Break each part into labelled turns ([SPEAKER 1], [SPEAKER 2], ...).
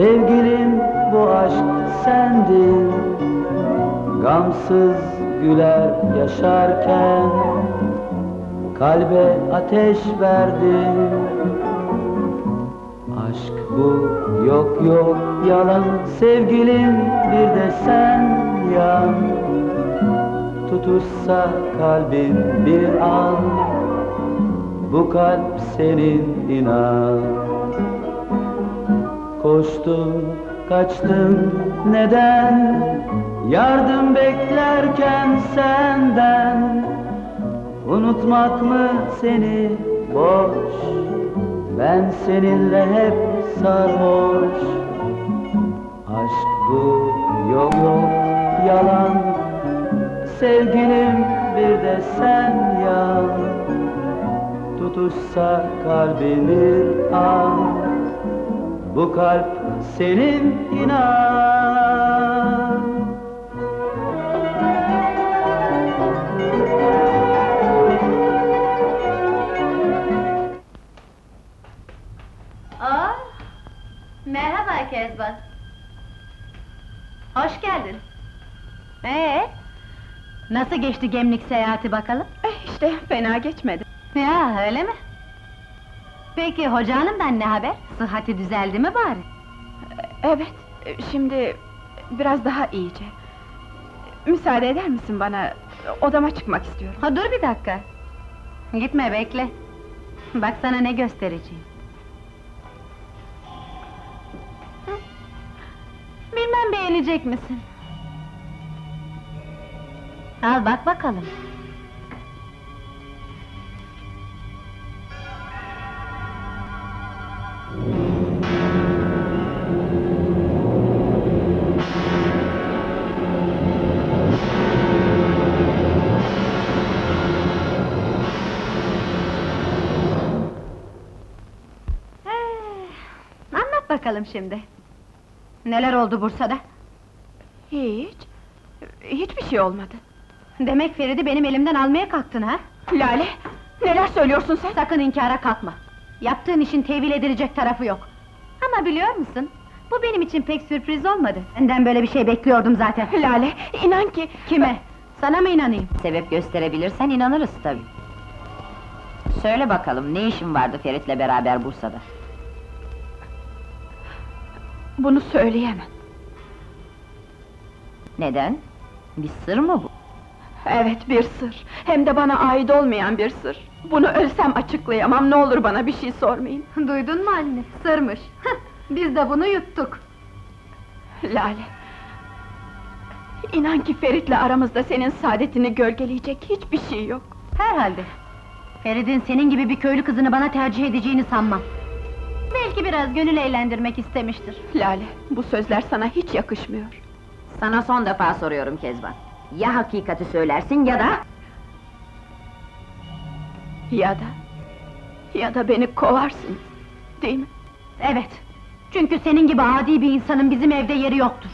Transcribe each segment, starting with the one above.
[SPEAKER 1] Sevgilim bu aşk sendin, gamsız güler yaşarken kalbe ateş verdin. Aşk bu, yok yok yalan, sevgilim bir de sen yan. Tutuşsa kalbin bir an, bu kalp senin inan. Koştun, kaçtın, neden? Yardım beklerken senden. Unutmak mı seni boş? Ben seninle hep sarhoş. Aşk bu, yok yok yalan, sevgilim bir de sen yan. Tutuşsa kalbin bir an, bu kalp senin inan.
[SPEAKER 2] Merhaba Kezban. Hoş geldin. Nasıl geçti Gemlik seyahati bakalım?
[SPEAKER 3] İşte fena geçmedi.
[SPEAKER 2] Ya öyle mi? Peki hoca hanımdan ne haber? Sıhhati düzeldi mi bari?
[SPEAKER 3] Evet, şimdi biraz daha iyice. Müsaade eder misin bana? Odama çıkmak istiyorum.
[SPEAKER 2] Ha, dur bir dakika. Gitme, bekle. Bak sana ne göstereceğim. Bilmem beğenecek misin? Al bak bakalım. Anlat bakalım şimdi. Neler oldu Bursa'da?
[SPEAKER 3] Hiçbir şey olmadı.
[SPEAKER 2] Demek Ferit'i benim elimden almaya kalktın ha?
[SPEAKER 3] Lale, neler söylüyorsun sen?
[SPEAKER 2] Sakın inkara kalkma. Yaptığın işin tevil edilecek tarafı yok. Ama biliyor musun? Bu benim için pek sürpriz olmadı. Senden böyle bir şey bekliyordum zaten.
[SPEAKER 3] Lale, inan ki...
[SPEAKER 2] Kime? Sana mı inanayım?
[SPEAKER 4] Sebep gösterebilirsen inanırız tabii. Söyle bakalım, ne işin vardı Ferit'le beraber Bursa'da?
[SPEAKER 3] Bunu söyleyemem.
[SPEAKER 4] Neden? Bir sır mı bu?
[SPEAKER 3] Evet, bir sır. Hem de bana ait olmayan bir sır. Bunu ölsem açıklayamam, ne olur bana bir şey sormayın.
[SPEAKER 2] Duydun mu anne? Sırmış. Biz de bunu yuttuk.
[SPEAKER 3] Lale... İnan ki Ferit'le aramızda senin saadetini gölgeleyecek hiçbir şey yok.
[SPEAKER 2] Herhalde. Ferit'in senin gibi bir köylü kızını bana tercih edeceğini sanmam. Belki biraz gönül eğlendirmek istemiştir.
[SPEAKER 3] Lale, bu sözler sana hiç yakışmıyor.
[SPEAKER 4] Sana son defa soruyorum Kezban. Ya hakikati söylersin ya da...
[SPEAKER 3] Ya da beni kovarsın, değil mi?
[SPEAKER 2] Evet. Çünkü senin gibi adi bir insanın bizim evde yeri yoktur.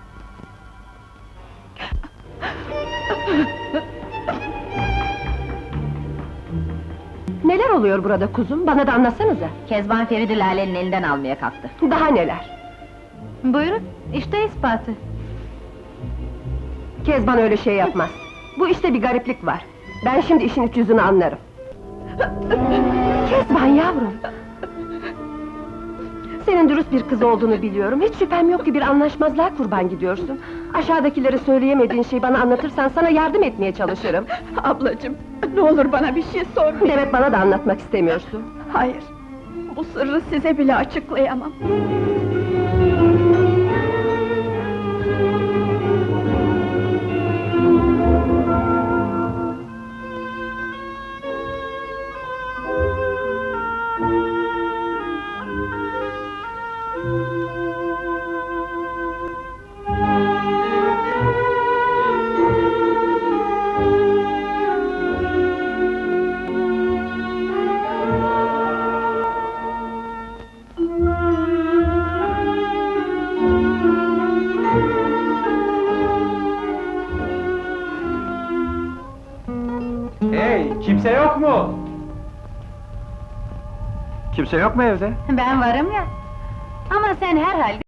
[SPEAKER 5] Neler oluyor burada kuzum? Bana da anlatsanıza!
[SPEAKER 4] Kezban Ferit'i Lale'nin elinden almaya kalktı.
[SPEAKER 5] Daha neler?
[SPEAKER 2] Buyurun, işte ispatı.
[SPEAKER 5] Kezban öyle şey yapmaz. Bu işte bir gariplik var. Ben şimdi işin iç yüzünü anlarım. Kezban yavrum! Senin dürüst bir kız olduğunu biliyorum. Hiç şüphem yok ki bir anlaşmazlığa kurban gidiyorsun. Aşağıdakilere söyleyemediğin şeyi bana anlatırsan sana yardım etmeye çalışırım.
[SPEAKER 3] Ablacığım, ne olur bana bir şey sormayın.
[SPEAKER 5] Demek bana da anlatmak istemiyorsun.
[SPEAKER 3] Hayır, bu sırrı size bile açıklayamam.
[SPEAKER 6] Kimse yok mu? Kimse yok mu evde?
[SPEAKER 2] Ben varım ya. Ama sen herhalde